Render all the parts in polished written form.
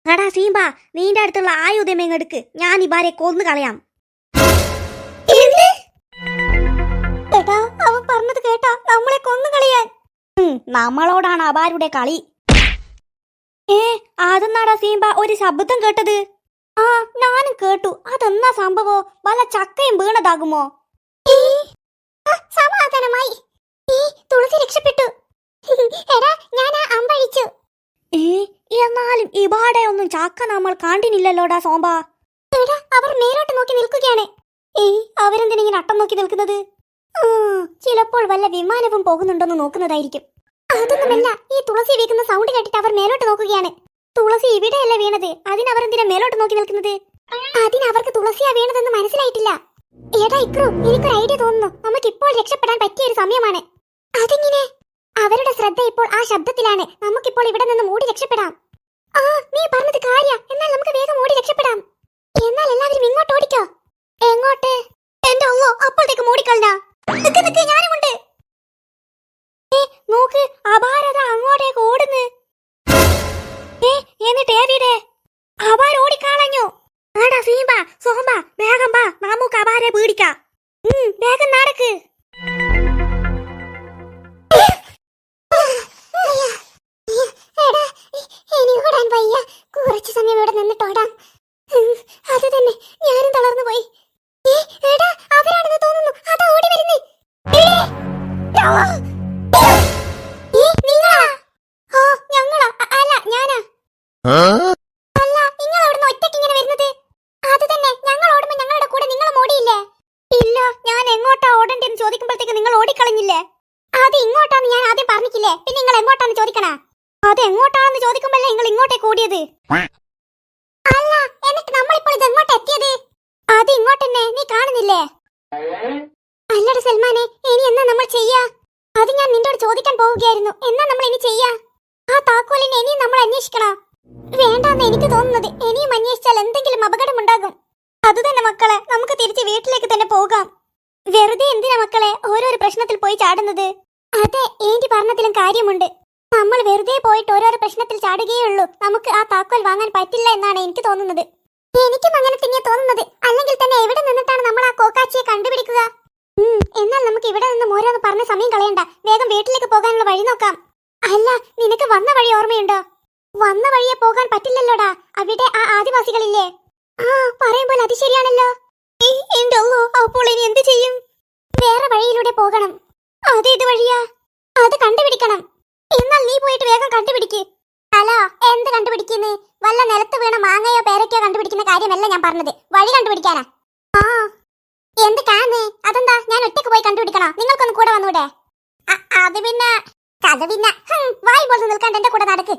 എടാ സീമ്പ, നീന്റെ അടുത്തുള്ള ആയുധം എങ്ങെടുക്ക്, ഞാൻ ഇബാരെ കൊന്നു കളയാം. എടാ, അവൻ പറഞ്ഞത് കേട്ടാ, നമ്മളെ കൊന്നു കളയാൻ. നമ്മളോടാണ് അബാരുടെ കളി. അതെന്നാടാ സീമ്പ ഒരു ശബ്ദം കേട്ടത്? ആ, ഞാനും കേട്ടു. അതെന്നാ സംഭവോ? വല്ല ചക്കയും വീണതാകുമോ? സമാധാനമായി, തുളസി രക്ഷപ്പെട്ടു. എടാ, ഞാൻ അമ്പഴിച്ചു. എന്നാലും ഇബാടെ ഒന്നും ചക്ക നമ്മൾ കണ്ടിനില്ലല്ലോടാ സോമ്പ. എടാ, അവർ മേലോട്ട് നോക്കി നിൽക്കുകയാണ്. അവരെന്തിനിങ്ങനെ അട്ടം നോക്കി നിൽക്കുന്നത്? ചിലപ്പോൾ വല്ല വിമാനവും പോകുന്നുണ്ടോന്ന് നോക്കുന്നതായിരിക്കും. അതൊന്നുമല്ല, ഈ തുളസി വീക്കുന്ന സൗണ്ട് കേട്ടിട്ട് അവർ മേലോട്ട് നോക്കുകയാണ്. തുളസി ഇവിടെയല്ല വീണത്, അതിനവരെന്തിനാ മേലോട്ട് നോക്കി നിൽക്കുന്നത്? അതിനവർക്ക് തുളസിയാ വീണതെന്ന് മനസ്സിലായിട്ടില്ല. എടാ ഇക്രു, എനിക്കൊരു ഐഡിയ തോന്നുന്നു. നമുക്ക് ഇപ്പോൾ രക്ഷപ്പെടാൻ പറ്റിയ ഒരു സമയമാണ്. അതെങ്ങനെ? അവരുടെ ശ്രദ്ധ ഇപ്പോൾ ആ ശബ്ദത്തിലാണ്. നമുക്കിപ്പോൾ ഇവിടെ നിന്ന് ഓടി രക്ഷപ്പെടാം. ആ, നീ പറഞ്ഞത് കാര്യ. എന്നാൽ നമുക്ക് വേഗം ഓടി രക്ഷപ്പെടാം. എന്നാൽ എല്ലാവരും ഇങ്ങോട്ട് ഓടിക്കോ. എങ്ങോട്ട്? എന്റെ അല്ലോ, അപ്പോഴത്തേക്ക് ഓടിക്കളഞ്ഞ. ഞാനുമുണ്ട്. നോക്ക്, അപാരത അങ്ങോട്ടേക്ക് ഓടുന്നു. എന്നിട്ട് ഏവിടെ? അപാര ഓടിക്കളഞ്ഞു. ആടാ സീമ്പ, സോമ്പ, വേഗം വാ, നമുക്ക് അപാരെ പേടിക്കാം. വേഗം നടക്ക്. കുറച്ചു സമയം ഇവിടെ നിന്നിട്ടോടാം. അത് തന്നെ, ഞാനും തളർന്നു പോയി. അവരാണെന്ന് തോന്നുന്നു. അതാ ഓടി വരുന്നേ. ഞങ്ങളാ? അല്ല, ഞാനാ. അല്ല, നിങ്ങൾ അവിടുന്ന് ഒറ്റയ്ക്ക് ഇങ്ങനെ വരുന്നത്? അത് തന്നെ, ഞങ്ങൾ ഓടുമ്പോ ഞങ്ങളുടെ കൂടെ നിങ്ങളും ഓടിയില്ലേ? ഇല്ല, ഞാൻ എങ്ങോട്ടാ ഓടണ്ടെന്ന് ചോദിക്കുമ്പോഴത്തേക്ക് നിങ്ങൾ ഓടിക്കളഞ്ഞില്ലേ? അത് ഇങ്ങോട്ടാന്ന് ഞാൻ ആദ്യം പറഞ്ഞില്ലേ, പിന്നെ നിങ്ങൾ എങ്ങോട്ടാന്ന് ചോദിക്കണ? അത് എങ്ങോട്ടാണെന്ന് ചോദിക്കുമ്പോഴല്ലേ നിങ്ങൾ ഇങ്ങോട്ടേക്ക് ഓടിയത്? അല്ല, എന്നിട്ട് നമ്മളിപ്പോൾ ഇത് എങ്ങോട്ട് എത്തിയത്? അത് ഇങ്ങോട്ടെന്നെ, നീ കാണുന്നില്ലേ? അല്ലട സൽമാനെ, ഇനി എന്നാ നമ്മൾ ചെയ്യാ? അത് ഞാൻ നിന്നോട് ചോദിക്കാൻ പോവുകയായിരുന്നു. എന്നാ നമ്മൾ ഇനി ചെയ്യാ? ആ താക്കോലിനെ ഇനിയും നമ്മൾ അന്വേഷിക്കണോ? വേണ്ടാന്ന് എനിക്ക് തോന്നുന്നത്. ഇനിയും അന്വേഷിച്ചാൽ എന്തെങ്കിലും അപകടമുണ്ടാകും. അത് തന്നെ മക്കളെ, നമുക്ക് തിരിച്ച് വീട്ടിലേക്ക് തന്നെ പോകാം. വെറുതെ എന്തിനാ മക്കളെ ഓരോരോ പ്രശ്നത്തിൽ പോയി ചാടുന്നത്? അതെ, ഏന്റി പറഞ്ഞതിലും കാര്യമുണ്ട്. നമ്മൾ വെറുതെ പോയിട്ട് ഓരോരോ പ്രശ്നത്തിൽ ചാടുകയുള്ളൂ. നമുക്ക് ആ താക്കോൽ വാങ്ങാൻ പറ്റില്ല എന്നാണ് എനിക്ക് തോന്നുന്നത്. എനിക്കും അങ്ങനെ തന്നെയാ തോന്നുന്നത്. അല്ലെങ്കിൽ തന്നെ എവിടെ നിന്നിട്ടാണ് നമ്മൾ ആ കോക്കാച്ചിയെ കണ്ടുപിടിക്കുക? എന്നാൽ നമുക്ക് ഇവിടെ നിന്നും ഓരോന്ന് പറഞ്ഞ സമയം കളയണ്ട. വേഗം വീട്ടിലേക്ക് പോകാനുള്ള വഴി നോക്കാം. അല്ല, നിനക്ക് വന്ന വഴി ഓർമ്മയുണ്ടോ? വന്ന വഴിയെ പോകാൻ പറ്റില്ലല്ലോടാ, അവിടെ ആ ആദിവാസികളില്ലേ? ആ, പറയുമ്പോൾ അത് ശരിയാണല്ലോ. എന്റെ അല്ലോ, അപ്പോൾ ഇനി എന്ത് ചെയ്യും? വേറെ വഴിയിലൂടെ പോകണം. അത് ഇത് വഴിയാ? അത് കണ്ടുപിടിക്കണം. എന്നാൽ നീ പോയിട്ട് വേഗം കണ്ടുപിടിക്ക്. ഹലോ, എന്ത് കണ്ടുപിടിക്കുന്നേ? വല്ല നിലത്ത് വീണ മാങ്ങയോ പേരക്കയോ കണ്ടുപിടിക്കുന്ന കാര്യമല്ല ഞാൻ പറഞ്ഞത്, വഴി കണ്ടുപിടിക്കാനാ. ആ, എന്ത് കാണേ? അതെന്താ, ഞാൻ ഒറ്റയ്ക്ക് പോയി കണ്ടുപിടിക്കണോ? നിങ്ങൾക്കൊന്ന് കൂടെ വന്നൂടെ? അത് പിന്നെ കഥ പിന്നെ വായി പോലെ നിൽക്കാണ്ട് എന്റെ കൂടെ നടക്ക്.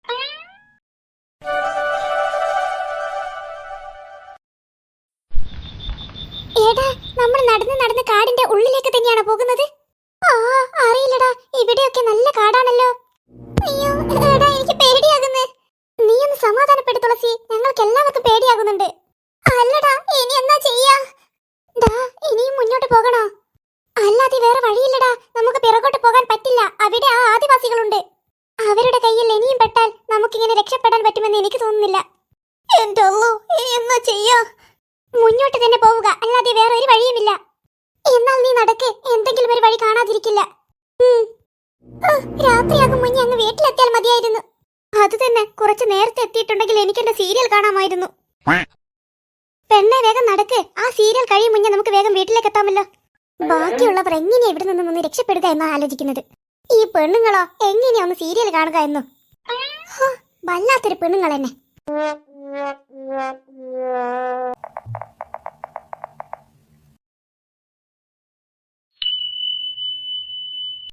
ഏടാ, നമ്മൾ നടന്ന് നടന്ന് കാടിന്റെ ഉള്ളിലേക്ക് തന്നെയാണോ പോകുന്നത്? അറിയില്ലടാ, ഇവിടെയൊക്കെ നല്ല കാടാണല്ലോ. അയ്യോ ഏടാ, എനിക്ക് പേടിയാകുന്നു. നീ ഒന്ന് സമാധാനപ്പെടു തുളസി, ഞങ്ങൾക്ക് എല്ലാവർക്കും പേടിയാകുന്നുണ്ട്. അല്ലടാ, ഇനി എന്നാ ചെയ്യാ? ഇനിയും മുന്നോട്ട് പോകണോ? അല്ലാതെ വേറെ വഴിയില്ലടാ. നമുക്ക് പിറകോട്ട് പോകാൻ പറ്റില്ല. അവിടെ ആ ആദിവാസികളുണ്ട്. അവരുടെ കയ്യിൽ ഇനിയും പെട്ടാൽ നമുക്കിങ്ങനെ രക്ഷപ്പെടാൻ പറ്റുമെന്ന് എനിക്ക് തോന്നുന്നില്ല. എന്റെ അല്ലോ, എന്നാ ചെയ്യാ? മുന്നോട്ട് തന്നെ പോവുക, അല്ലാതെ വേറെ ഒരു വഴിയുമില്ല. എന്നാൽ നീ നടക്ക്, എന്തെങ്കിലും ഒരു വഴി കാണാതിരിക്കില്ല. രാത്രിയാകും മുന്നേ അങ്ങ് വീട്ടിലെത്തിയാൽ മതിയായിരുന്നു. അത് തന്നെ, കുറച്ച് നേരത്തെ എത്തിയിട്ടുണ്ടെങ്കിൽ എനിക്ക് എന്റെ സീരിയൽ കാണാമായിരുന്നു. പെണ്ണെ, വേഗം നടക്ക്. ആ സീരിയൽ കഴിയും മുന്നേ നമുക്ക് വേഗം വീട്ടിലേക്ക് എത്താമല്ലോ. ബാക്കിയുള്ളവർ എങ്ങനെയാ ഇവിടെ നിന്നൊന്ന് രക്ഷപ്പെടുക എന്നാ ആലോചിക്കുന്നത്. ഈ പെണ്ണുങ്ങളോ എങ്ങനെയാ ഒന്ന് സീരിയൽ കാണുക എന്നോ? വല്ലാത്തൊരു പെണ്ണുങ്ങൾ തന്നെ.